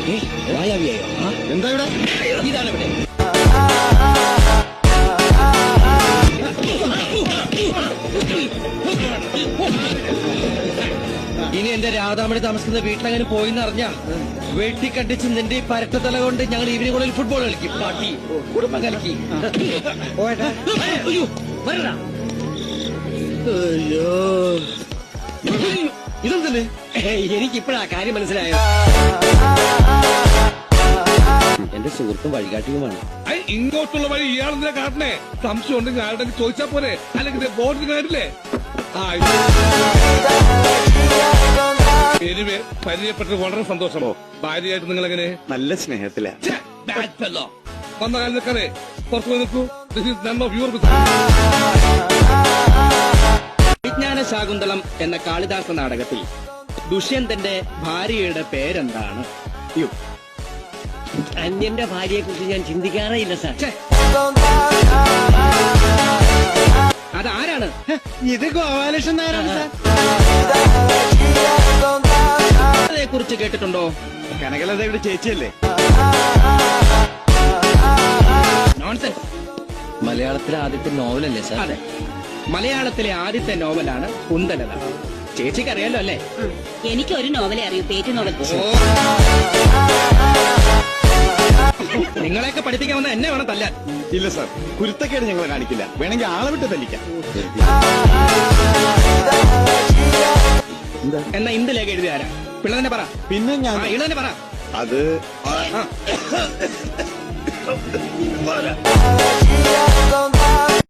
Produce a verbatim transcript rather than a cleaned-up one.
വായാവിയായോ? എന്താ ഇവിടെ? ഇതാണ് ഇവിടെ. ഇനി എന്റെ രാധാമണി താമസിക്കുന്ന വീട്ടിലങ്ങനെ പോയിന്ന് അറിഞ്ഞ വെട്ടിക്കണ്ടിച്ച് നിന്റെ ഈ പരട്ടത്തല കൊണ്ട് ഞങ്ങൾ ഈവനിങ്ങുകളിൽ ഫുട്ബോൾ കളിക്കും. പാട്ടി കുടുംബം കളിക്കി. ഇതെന്തല്ലേ? എനിക്കിപ്പോഴാ കാര്യം മനസ്സിലായോ. എന്റെ സുഹൃത്തും വഴികാട്ടിയുമാണ്. ഇങ്ങോട്ടുള്ള വഴി ഇയാളെന്തിനാ കാട്ടണേ? സംശയം ഉണ്ടെങ്കിൽ ആരുടെ ചോദിച്ചാ പോരെ, അല്ലെങ്കിൽ ബോർഡിന് കാര്യമില്ലേ? എനിവേ പരിചയപ്പെട്ടത് വളരെ സന്തോഷമോ. ഭാര്യയായിട്ട് നിങ്ങൾ എങ്ങനെ? നല്ല സ്നേഹത്തില. വന്ന കാര്യം നിൽക്കാതെ പുറത്തു പോയി നിൽക്കൂ. വിജ്ഞാന ശാകുന്തളം എന്ന കാളിദാസ നാടകത്തിൽ ദുഷ്യന്തന്റെ ഭാര്യയുടെ പേരെന്താണ്? അന്യന്റെ ഭാര്യയെ കുറിച്ച് ഞാൻ ചിന്തിക്കാറേ ഇല്ല സാർ. അതാരാണ്? ഇത് ഗോപാലകൃഷ്ണൻ നായരാണ് സാർ. അതേ കുറിച്ച് കേട്ടിട്ടുണ്ടോ? കനകലതയുടെ ചേച്ചിയല്ലേ? നോൺസെൻസ്. മലയാളത്തിലെ ആദ്യത്തെ നോവലല്ലേ സാർ? അതെ, മലയാളത്തിലെ ആദ്യത്തെ നോവലാണ് കുന്തലത. ചേച്ചിക്ക് അറിയാലോ അല്ലേ? എനിക്ക് ഒരു നോവലേ അറിയൂ, പേറ്റ് നോവൽ. നിങ്ങളെയൊക്കെ പഠിപ്പിക്കാൻ വന്ന എന്നെ വേണം തല്ലാൻ. ഇല്ല സാർ, കുരുത്തക്കേട് ഞങ്ങളെ കാണിക്കില്ല. വേണമെങ്കിൽ ആളെ വിട്ട് തല്ലിക്കാം. എന്നാ ഇന്ത് ലേഖ എഴുതിയ ആരാ? പിള്ള തന്നെ പറ. പിന്നെ ഞാൻ ഇള തന്നെ പറ. അത് ആ.